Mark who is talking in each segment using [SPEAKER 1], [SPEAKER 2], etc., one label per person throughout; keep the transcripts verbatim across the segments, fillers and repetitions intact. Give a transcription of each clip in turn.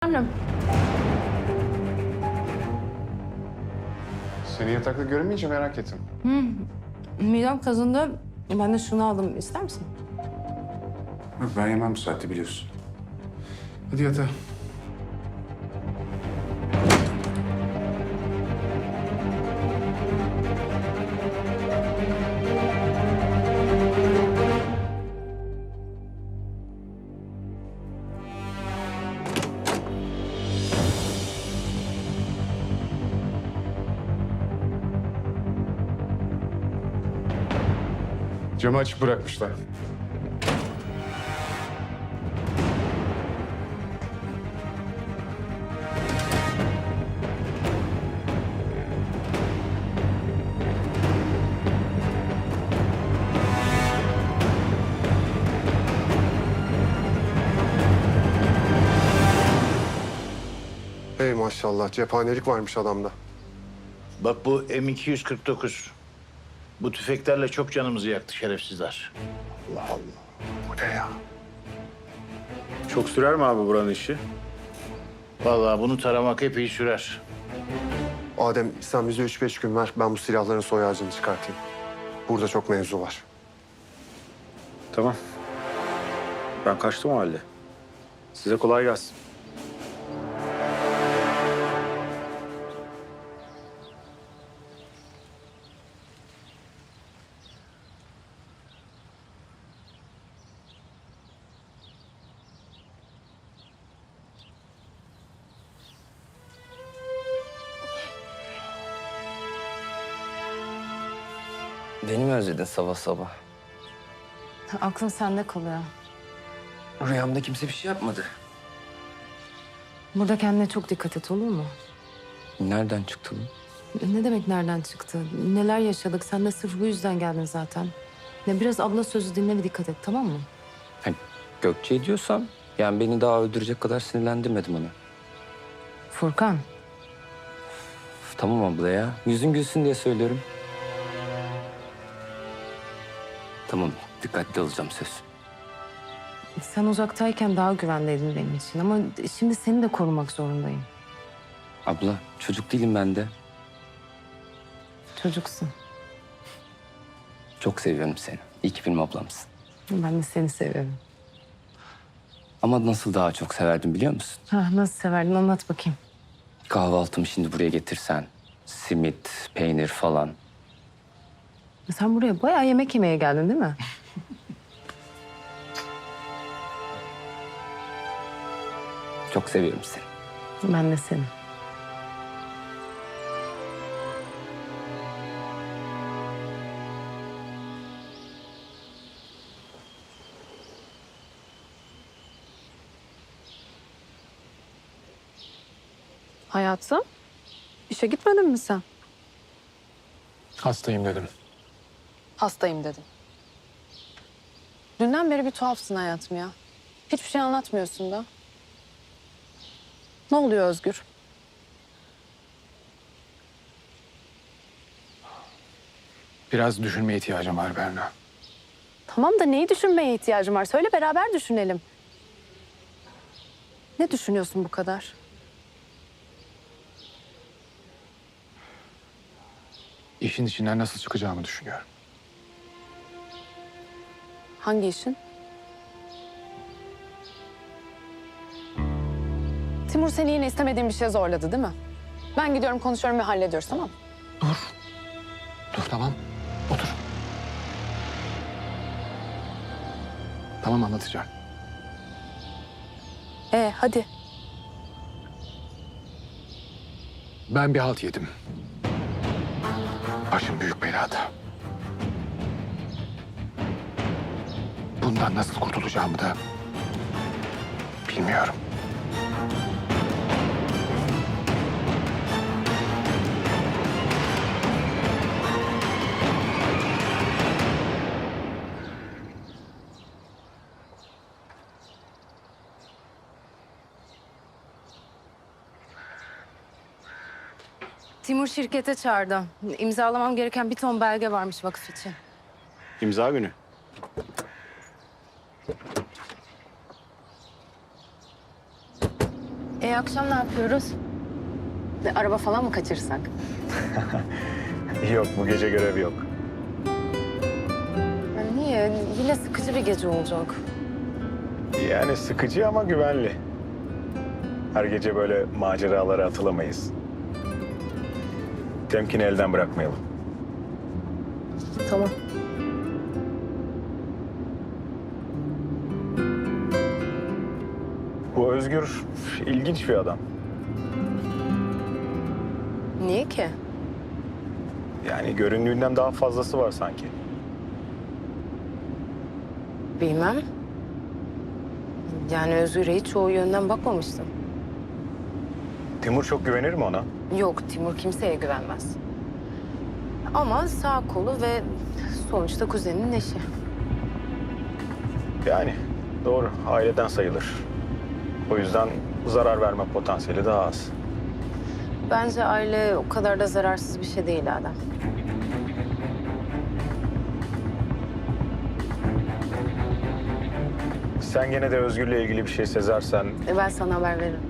[SPEAKER 1] Efendim?
[SPEAKER 2] Seni yatakta göremeyince merak ettim.
[SPEAKER 1] Midem kazındı. Ben de şunu aldım. İster misin?
[SPEAKER 2] Yok, ben yemem bu saatte biliyorsun. Hadi yatağa. Camı açık bırakmışlar.
[SPEAKER 3] Hey maşallah, cephanelik varmış adamda.
[SPEAKER 4] Bak bu M iki yüz kırk dokuz. Bu tüfeklerle çok canımızı yaktı şerefsizler.
[SPEAKER 3] Allah Allah. Bu ne ya?
[SPEAKER 5] Çok sürer mi abi buranın işi?
[SPEAKER 4] Vallahi bunu taramak epey sürer.
[SPEAKER 3] Adem, sen bize üç beş gün ver, ben bu silahların soy ağacını çıkartayım. Burada çok mevzu var.
[SPEAKER 5] Tamam. Ben kaçtım o halde. Size kolay gelsin.
[SPEAKER 6] Beni mi özledin sabah sabah?
[SPEAKER 1] Aklım sende kalıyor.
[SPEAKER 6] Rüyamda kimse bir şey yapmadı.
[SPEAKER 1] Burada kendine çok dikkat et, olur mu?
[SPEAKER 6] Nereden çıktı bu?
[SPEAKER 1] Ne demek nereden çıktı? Neler yaşadık? Sen de sırf bu yüzden geldin zaten. Ya biraz abla sözü dinle ve dikkat et, tamam mı?
[SPEAKER 6] Hani Gökçe diyorsam, yani beni daha öldürecek kadar sinirlendirmedim onu.
[SPEAKER 1] Furkan,
[SPEAKER 6] Üf, tamam abla ya. Yüzün gülsün diye söylüyorum. Tamam, dikkatli olacağım söz.
[SPEAKER 1] sen uzaktayken daha güvendeydin benim için ama şimdi seni de korumak zorundayım.
[SPEAKER 6] Abla, çocuk değilim ben de.
[SPEAKER 1] Çocuksun.
[SPEAKER 6] Çok seviyorum seni. İyi ki benim ablamsın.
[SPEAKER 1] Ben de seni seviyorum.
[SPEAKER 6] Ama nasıl daha çok severdim biliyor musun?
[SPEAKER 1] Ha, nasıl severdin anlat bakayım.
[SPEAKER 6] Kahvaltımı şimdi buraya getirsen. Simit, peynir falan.
[SPEAKER 1] Sen buraya bayağı yemek yemeye geldin değil mi?
[SPEAKER 6] Çok seviyorum seni.
[SPEAKER 1] Ben de seni.
[SPEAKER 7] Hayatım, işe gitmedin mi sen?
[SPEAKER 2] Hastayım dedim.
[SPEAKER 7] Hastayım dedin. Dünden beri bir tuhafsın hayatım ya. Hiçbir şey anlatmıyorsun da. Ne oluyor Özgür?
[SPEAKER 2] Biraz düşünmeye ihtiyacım var Berna.
[SPEAKER 7] Tamam da neyi düşünmeye ihtiyacım var? Söyle beraber düşünelim. Ne düşünüyorsun bu kadar?
[SPEAKER 2] İşin içinden nasıl çıkacağımı düşünüyorum.
[SPEAKER 7] Hangi işin? Timur seni yine istemediğin bir şeye zorladı değil mi? Ben gidiyorum konuşuyorum ve hallediyoruz tamam mı?
[SPEAKER 2] Dur tamam. Otur. Tamam anlatacağım.
[SPEAKER 7] Ee hadi.
[SPEAKER 2] Ben bir halt yedim. Başım büyük belada. Bundan nasıl kurtulacağımı da bilmiyorum.
[SPEAKER 1] Timur şirkete çağırdı. İmzalamam gereken bir ton belge varmış vakıf için.
[SPEAKER 5] İmza günü.
[SPEAKER 1] E
[SPEAKER 7] akşam ne yapıyoruz? Bir araba falan mı kaçırsak?
[SPEAKER 5] Yok, bu gece görevi yok.
[SPEAKER 7] Ya niye? Yine sıkıcı bir gece olacak.
[SPEAKER 5] Yani sıkıcı ama güvenli. Her gece böyle maceralara atılamayız. Temkini elden bırakmayalım.
[SPEAKER 7] Tamam.
[SPEAKER 5] Bu Özgür ilginç bir adam.
[SPEAKER 7] Niye ki?
[SPEAKER 5] Yani göründüğünden daha fazlası var sanki.
[SPEAKER 7] Bilmem. Yani Özgür'e hiç o yönden bakmamıştım.
[SPEAKER 5] Timur çok güvenir mi ona?
[SPEAKER 7] Yok, Timur kimseye güvenmez. Ama sağ kolu ve sonuçta kuzeninin eşi.
[SPEAKER 5] Yani doğru, aileden sayılır. O yüzden zarar verme potansiyeli daha az.
[SPEAKER 7] Bence aile o kadar da zararsız bir şey değil Adem.
[SPEAKER 5] Sen gene de Özgür'le ilgili bir şey sezersen
[SPEAKER 7] E ben sana haber veririm.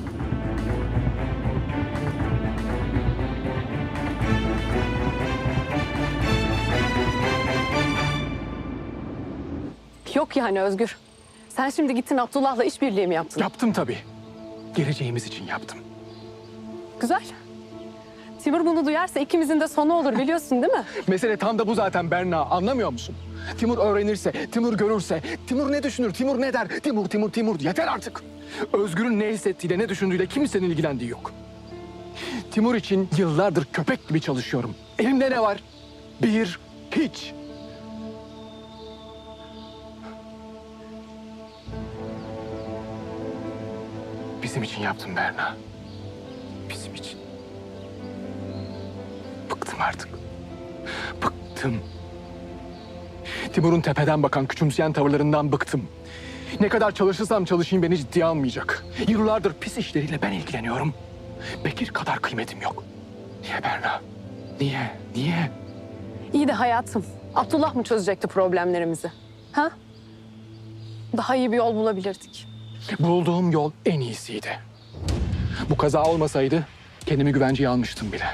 [SPEAKER 7] Yok yani Özgür. Sen şimdi gittin Abdullah'la işbirliği mi yaptın?
[SPEAKER 8] Yaptım tabii. Geleceğimiz için yaptım.
[SPEAKER 7] Güzel. Timur bunu duyarsa ikimizin de sonu olur biliyorsun değil mi?
[SPEAKER 8] Mesele tam da bu zaten Berna. Anlamıyor musun? Timur öğrenirse, Timur görürse, Timur ne düşünür, Timur ne der? Timur, Timur, Timur. Yeter artık. Özgür'ün ne hissettiğiyle, ne düşündüğüyle kimsenin ilgilendiği yok. Timur için yıllardır köpek gibi çalışıyorum. Elimde ne var? Bir, hiç. Bizim için yaptım Berna. Bizim için. Bıktım artık. Bıktım. Timur'un tepeden bakan, küçümseyen tavırlarından bıktım. Ne kadar çalışırsam çalışayım beni ciddiye almayacak. Yıllardır pis işleriyle ben ilgileniyorum. Bekir kadar kıymetim yok. Niye Berna? Niye? Niye?
[SPEAKER 7] İyi de hayatım. Abdullah mı çözecekti problemlerimizi? Ha? Daha iyi bir yol bulabilirdik.
[SPEAKER 8] Bulduğum yol en iyisiydi. Bu kaza olmasaydı kendimi güvenceye almıştım bile.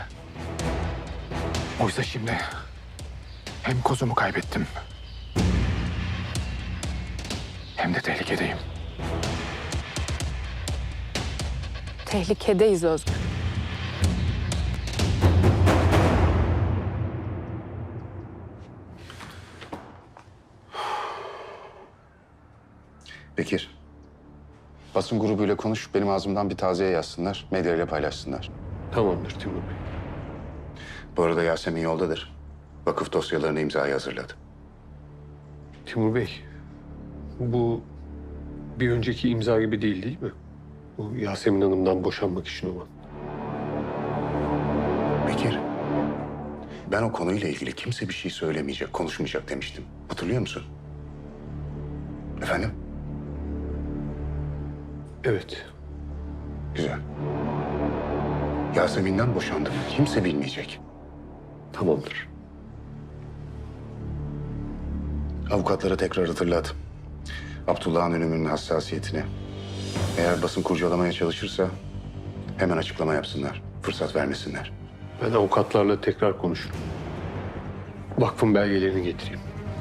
[SPEAKER 8] Oysa şimdi hem kozumu kaybettim hem de tehlikedeyim.
[SPEAKER 7] Tehlikedeyiz Özgür.
[SPEAKER 2] Bekir. Basın grubuyla konuş, benim ağzımdan bir taziye yazsınlar, medyayla paylaşsınlar.
[SPEAKER 9] Tamamdır Timur Bey.
[SPEAKER 2] Bu arada Yasemin yoldadır. Vakıf dosyalarını imzaya hazırladı.
[SPEAKER 9] Timur Bey, bu bir önceki imza gibi değil değil mi? Bu Yasemin Hanım'dan boşanmak için olan.
[SPEAKER 2] Bekir, ben o konuyla ilgili kimse bir şey söylemeyecek, konuşmayacak demiştim. Hatırlıyor musun? Efendim?
[SPEAKER 9] Evet.
[SPEAKER 2] Güzel. Yasemin'den boşandım. Kimse bilmeyecek.
[SPEAKER 9] Tamamdır.
[SPEAKER 2] Avukatlara tekrar hatırlat. Abdullah'ın ölümünün hassasiyetini. Eğer basın kurcalamaya çalışırsa hemen açıklama yapsınlar. Fırsat vermesinler.
[SPEAKER 9] Ben avukatlarla tekrar konuşurum. Vakfın belgelerini getireyim.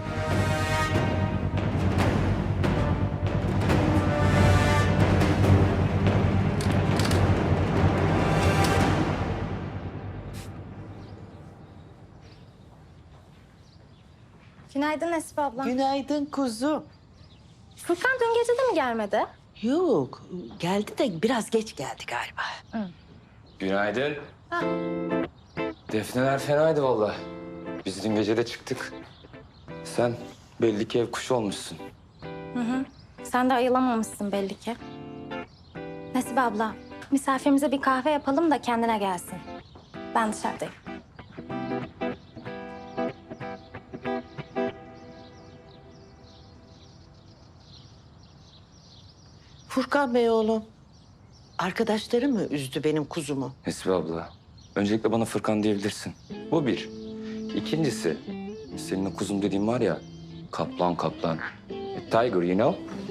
[SPEAKER 10] Günaydın Esif abla.
[SPEAKER 11] Günaydın kuzum.
[SPEAKER 10] Furkan dün gece de mi gelmedi?
[SPEAKER 11] Yok, geldi de biraz geç geldi galiba.
[SPEAKER 6] Günaydın. Defneler fenaydı vallahi. Biz dün gece de çıktık. Sen belli ki ev kuşu olmuşsun.
[SPEAKER 10] Hı hı. Sen de ayılamamışsın belli ki. Nesibe abla, misafirimize bir kahve yapalım da kendine gelsin. Ben dışarıdayım.
[SPEAKER 11] Furkan Bey oğlum, arkadaşları mı üzdü benim kuzumu?
[SPEAKER 6] Nesibe abla, öncelikle bana Fırkan diyebilirsin. Bu bir. İkincisi, senin o kuzum dediğin var ya, kaplan kaplan. A tiger, you know?